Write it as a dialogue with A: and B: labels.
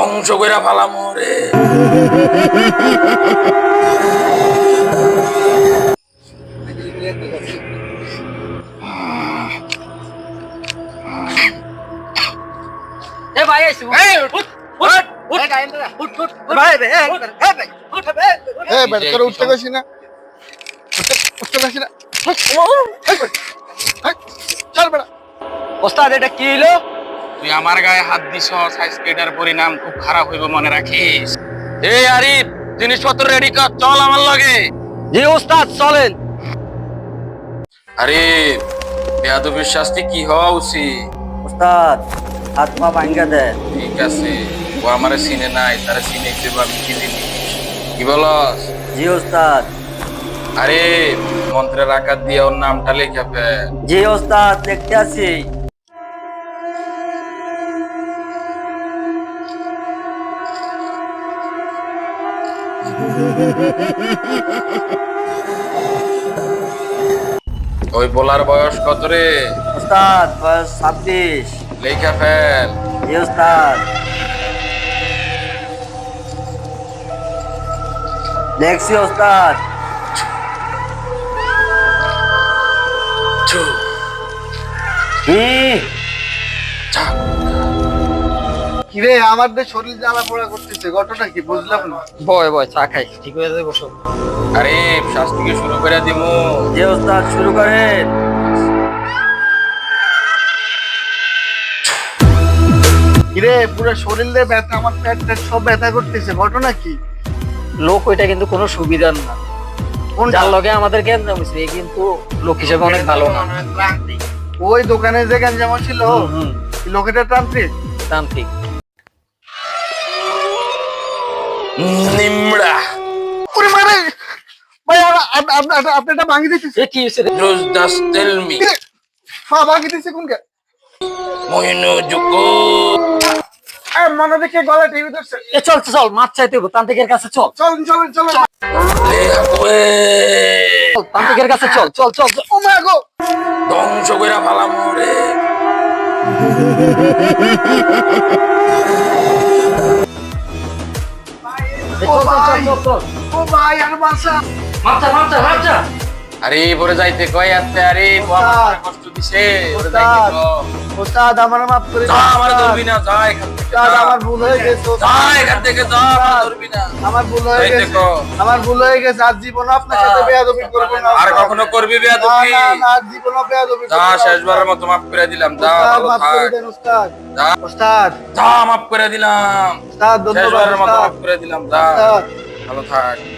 A: ধ্বংস কইরা ফালামু রে।
B: এ ভাই আইছো এই উঠ উঠ উঠ উঠ ভাই ভাই ভাই উঠ ভাই
C: এ বেটা তোর উঠতে গেছিস না উঠতে গেছিস না চল বেটা
B: ওস্তাদ এটা কি হইলো?
A: তুই আমার গায়ে হাত দিছ, আজকে এটার পরিণাম খুব খারাপ হইব, মনে রাখিস। এই আরিফ, জিনিসপত্র রেডি কর, চল আমার লগে।
B: জি ওস্তাদ চলেন।
A: আরিফ, বেয়াদবির শাস্তি কি হওয়া উচিত?
B: ওস্তাদ হাত পা ভাঙ্গা দেন।
A: ঠিক আছে, ও আমারে চিনে নাই, তারা চিনে দেবো আমি কি জিনিস। কি বলস?
B: জি ওস্তাদ।
A: আরে মন্ত্রের আকার দিয়ে ওর নামটা লেখা ফেল।
B: জি ওস্তাদ দেখতে আছি।
A: ওই বলার বয়স কত রে?
B: ওস্তাদ বয়স 26।
A: লেখা ফেল।
B: জি ওস্তাদ। দেখছি ওস্তাদ।
A: ছু,
B: হুম
A: ছা।
C: কিরে আমাদের শরীর জ্বালা পোড়া করতেছে, ঘটনা কি বুঝলাম না।
B: বয় বয় চা খাই, ঠিক হয়ে যাবে বসো।
A: আরে শাস্তিকে শুরু করে দিমু।
B: জি ওস্তাদ শুরু করেন।
C: কিরে পুরো শরীরে ব্যথা, আমার পেট টেট সব ব্যথা করতেছে, ঘটনা কি?
B: লোক ওইটা কিন্তু কোনো সুবিধার না। যার লগে আমাদের কেন্দ্র হয়েছে এ কিন্তু লোক হিসেবে অনেক ভালো না।
C: ওই দোকানে যে গঞ্জাম ছিল লোকেটা তান্ত্রিক।
B: তান্ত্রিক
A: নিমড়া।
C: ওরে মারে ভাই, আপনি এটা ভাঙি দিতেছে।
B: এ কি হয়েছে রে?
A: Just tell me.
C: হ্যাঁ ভাঙি দিতেছে কোনকে?
A: মহিনু জুকু।
C: মনে দেখে গলা টিভি ধরছে।
B: এ চল চল মাছ চাইতে হইব, তান্ত্রিকের কাছে চল।
C: চলেন চলেন চলেন।
A: লে হাকুয়ে।
B: চল, তান্ত্রিকের কাছে চল চল চল চল।
C: ও মা গো,
A: ধ্বংস কইরা ফালামু রে।
B: এ চল চল চল চল চল।
C: ও ভাই আর বাসা।
B: মাছ চা।
A: আরে পরে যাইতে কয় আতে, আরে ও আমার কষ্ট দিছে, পরে যাইতে ক।
C: ওস্তাদ আমার মাফ করে
A: যা,
C: দিন।
A: আমার ধরবি না, যা এখান থেকে।
C: ওস্তাদ আমার ভুল হয়ে গেছে।
A: যা এখান থেকে, যা, আমার ধরবি না।
C: আমার ভুল হয়ে
A: যাইতে
C: গেছে।
A: ক।
C: আমার ভুল হয়ে গেছে, আর জীবন আপনার সাথে বেয়াদবি করব না।
A: আর কখনো করবি
C: না
A: বেয়াদবি?
C: না না, আর জীবনও বেয়াদবি করব
A: যা,
C: না।
A: শেষবারের মতো মাফ করে দিলাম, যা,
C: ওস্তাদ
A: ভালো
C: মাফ করে
A: থাক।
C: দেন ওস্তাদ।
A: যা,
C: ওস্তাদ
A: যা, মাফ করে দিলাম।
C: ওস্তাদ ধন্যবাদ
A: শেষবারের মতো
C: ওস্তাদ।
A: মাফ করে দিলাম, যা,
C: ওস্তাদ
A: ভালো থাক।